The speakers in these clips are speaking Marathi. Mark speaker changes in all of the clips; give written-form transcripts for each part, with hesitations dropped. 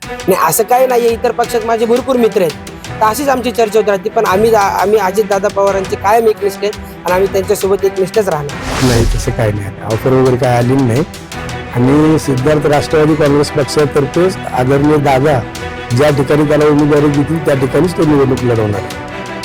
Speaker 1: नाही असं काही नाही, इतर पक्षात माझे भरपूर मित्र आहेत, तर अशीच आमची चर्चा होत राहते. पण आम्ही अजितदादा पवारांचे कायम एकनिष्ठ आहेत आणि आम्ही त्यांच्यासोबत एकनिष्ठच राहणार.
Speaker 2: नाही तसं काही नाही, ऑफर वगैरे काय आली नाही. आणि सिद्धार्थ राष्ट्रवादी काँग्रेस पक्षातर्फे आदरणीय दादा ज्या ठिकाणी त्याला उमेदवारी देतील त्या ठिकाणीच तो निवडणूक लढवणार आहे.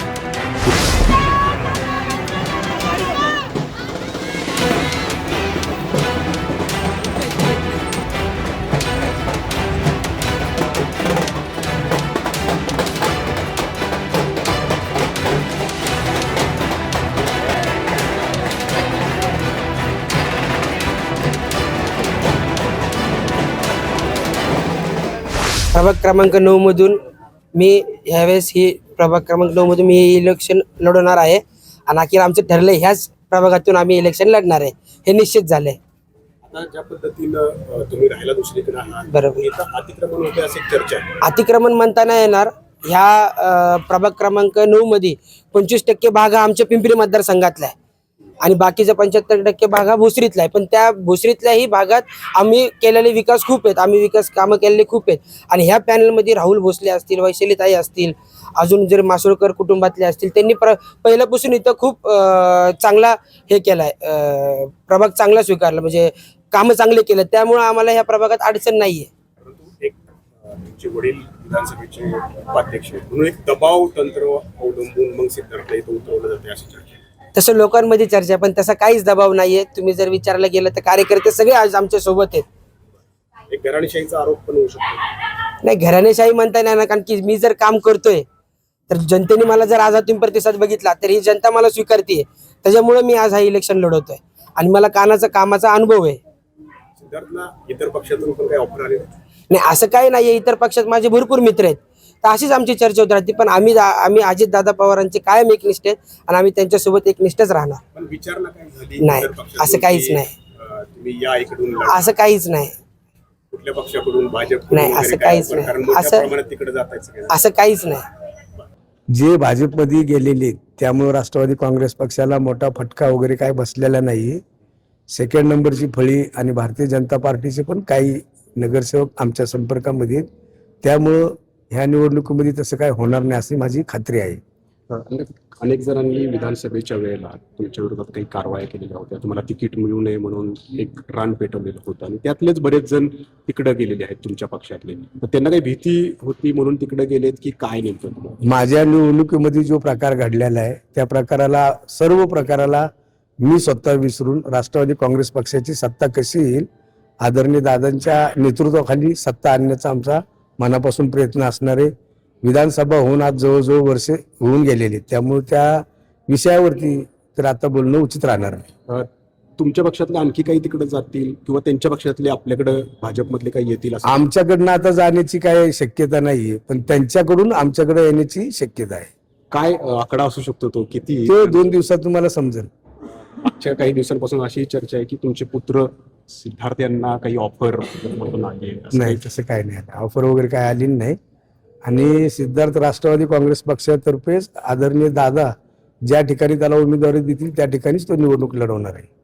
Speaker 1: प्रभाग क्रमांक 9 मधून मी ह्यावेळेस ही प्रभाग क्रमांक 9 मधून मी हे इलेक्शन लढवणार आहे आणि अखेर आमचं ठरलं ह्याच प्रभागातून आम्ही इलेक्शन लढणार आहे, हे निश्चित झालंय.
Speaker 3: आता ज्या पद्धतीनं तुम्ही राहायला दुसरीकडे आहात,
Speaker 1: बरोबर.
Speaker 3: इथं अतिक्रमण होते अशी चर्चा आहे.
Speaker 1: अतिक्रमण म्हणता नाही येणार. ह्या प्रभाग क्रमांक 9 मध्ये 25% भाग हा आमच्या पिंपरी मतदारसंघातला आहे आणि बाकीचा 75% भाग हा भोसरीतला आहे. पण त्या भोसरीतल्याही भागात आम्ही केलेले विकास खूप आहेत, आम्ही विकास कामं केलेले खूप आहेत. आणि ह्या पॅनलमध्ये राहुल भोसले असतील, वैशालीताई असतील, अजून जर मासोळकर कुटुंबातले असतील, त्यांनी पहिल्यापासून इथं खूप चांगला हे केलाय, प्रभाग चांगला स्वीकारला, म्हणजे कामं चांगले केले. त्यामुळे आम्हाला ह्या प्रभागात अडचण नाहीये.
Speaker 3: परंतु एक तुमचे वडील विधानसभेचे उपाध्यक्ष आहेत, म्हणून एक दबाव तंत्र अवलंबून मग सिद्धार्थला इथं उतरवलं जाते अशी चर्चा आहे.
Speaker 1: तसं लोकांमध्ये चर्चा, पण तसा काहीच दबाव नाहीये. तुम्ही जर विचारायला गेलं तर कार्यकर्ते सगळे आज आमच्या सोबत आहेत.
Speaker 3: एक घराणेशाहीचा आरोप पण होऊ शकतो.
Speaker 1: नाही, घराणेशाही म्हणता येणार ना, कारण की मी जर काम करतोय तर जनतेने मला जर आज तुम्ही प्रतिसाद बघितला तर ही जनता मला स्वीकारते. त्याच्यामुळे मी आज हा इलेक्शन लढवतोय आणि मला कामाचा अनुभव आहे.
Speaker 3: सिद्धार्थला इतर पक्षातून पण काही ऑफर आले?
Speaker 1: नाही असं काही नाही, इतर पक्षात माझे भरपूर मित्र आहेत, तर अशीच आमची चर्चा होत राहते. पण आम्ही अजितदादा पवारांचे कायम एकनिष्ठ आहेत आणि आम्ही त्यांच्यासोबत एकनिष्ठच राहणार.
Speaker 3: पण विचारणा काय झाली?
Speaker 1: नाही,
Speaker 3: इतर पक्षातून
Speaker 1: असं काहीच
Speaker 3: की,
Speaker 1: नाही.
Speaker 3: तुम्ही या इकडून लढा.
Speaker 1: असं काहीच नाही.
Speaker 3: कुठल्या पक्षाकडून, भाजप
Speaker 1: नाही, असं काहीच नाही.
Speaker 3: कारण मोठ्या
Speaker 1: असं-
Speaker 3: प्रमाणात तिकडे जात आहेत सगळे.
Speaker 1: असं काहीच नाही.
Speaker 2: जे भाजपमध्ये गेलेले त्यामुळे राष्ट्रवादी काँग्रेस पक्षाला मोठा फटका वगैरे काय बसलेला नाही. सेकंड नंबरची फळी आणि भारतीय जनता पार्टीचे पण काही नगरसेवक आमच्या संपर्कामध्ये आहेत. त्यामुळं ह्या निवडणुकीमध्ये तसं काय होणार नाही अशी माझी खात्री आहे.
Speaker 3: अनेक जणांनी विधानसभेच्या वेळेला तुमच्या विरोधात काही कारवाया केलेल्या होत्या, तुम्हाला तिकीट मिळू नये म्हणून एक रान पेटवलेलं होतं आणि त्यातलेच बरेच जण तिकडे गेलेले आहेत तुमच्या पक्षातले. तर त्यांना काही भीती होती म्हणून तिकडे गेलेत की काय नेमकं?
Speaker 2: माझ्या निवडणुकीमध्ये जो प्रकार घडलेला आहे त्या सर्व प्रकाराला मी स्वतः विसरून राष्ट्रवादी काँग्रेस पक्षाची सत्ता कशी येईल, आदरणीय दादांच्या नेतृत्वाखाली सत्ता आणण्याचा आमचा मनापासून प्रयत्न असणार आहे. विधानसभा होऊन आज जवळजवळ वर्षे होऊन गेलेली, त्यामुळे त्या विषयावरती तर आता बोलणं उचित राहणार आहे.
Speaker 3: तुमच्या पक्षातले आणखी काही तिकडे जातील किंवा त्यांच्या पक्षातले आपल्याकडे भाजपमधले काही येतील असं?
Speaker 2: आमच्याकडनं आता जाण्याची काही शक्यता नाहीये, पण त्यांच्याकडून आमच्याकडे येण्याची शक्यता आहे.
Speaker 3: काय आकडा असू शकतो तो? किती?
Speaker 2: तो 2 दिवसात तुम्हाला समजेल.
Speaker 3: मागच्या काही दिवसांपासून अशी चर्चा आहे की तुमचे पुत्र सिद्धार्थ यांना काही ऑफर
Speaker 2: नाही तसं काही नाही, ऑफर वगैरे काय आली नाही. आणि सिद्धार्थ राष्ट्रवादी काँग्रेस पक्षातर्फे आदरणीय दादा ज्या ठिकाणी त्याला उमेदवारी देतील त्या ठिकाणीच तो निवडणूक लढवणार आहे.